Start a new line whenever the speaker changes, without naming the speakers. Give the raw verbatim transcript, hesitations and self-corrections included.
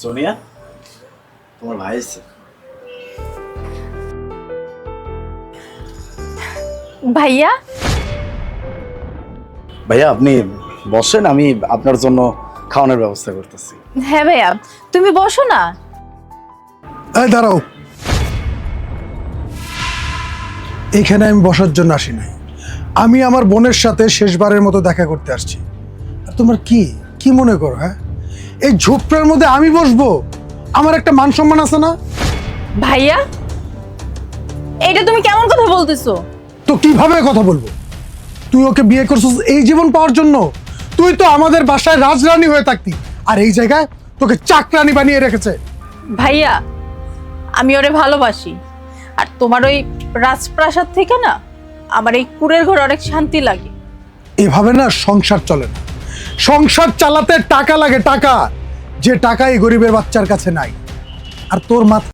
সোনিয়া, তোমার ভাই এসেছে।
ভাইয়া
ভাইয়া আপনি বসেন, আমি আপনার জন্য খাওয়ানোর ব্যবস্থা করতেছি।
হ্যাঁ ভাইয়া, তুমি বসো না।
এই দাঁড়াও, এইখানে আমি বসার জন্য আসি নাই। আমি আমার বোনের সাথে শেষবারের মতো দেখা করতে আসছি। আর তোমার কি কি মনে করো? হ্যাঁ, এই ঝোপটার মধ্যে আমি বসবো? আমার একটা মান সম্মান আছে না?
ভাইয়া, এটা তুমি কেমন কথা বলতেছো?
তো কিভাবে কথা বলবো? তুই ওকে বিয়ে করছিস এই জীবন পাওয়ার জন্য? তুই তো আমাদের বাসায় রাজরানী হয়ে থাকতি, আর এই জায়গায় তোকে চাকরানী বানিয়ে রেখেছে।
ভাইয়া, আমি ওরে ভালোবাসি, আর তোমার ওই রাজপ্রাসাদ থেকে না আমার এই কুড়ের ঘর অনেক শান্তি লাগে।
এভাবে না সংসার চলে না। সংসার চালাতে টাকা লাগে, টাকা, যে টাকা এই গরিবের বাচ্চার কাছে নাই। আর তোর মাথা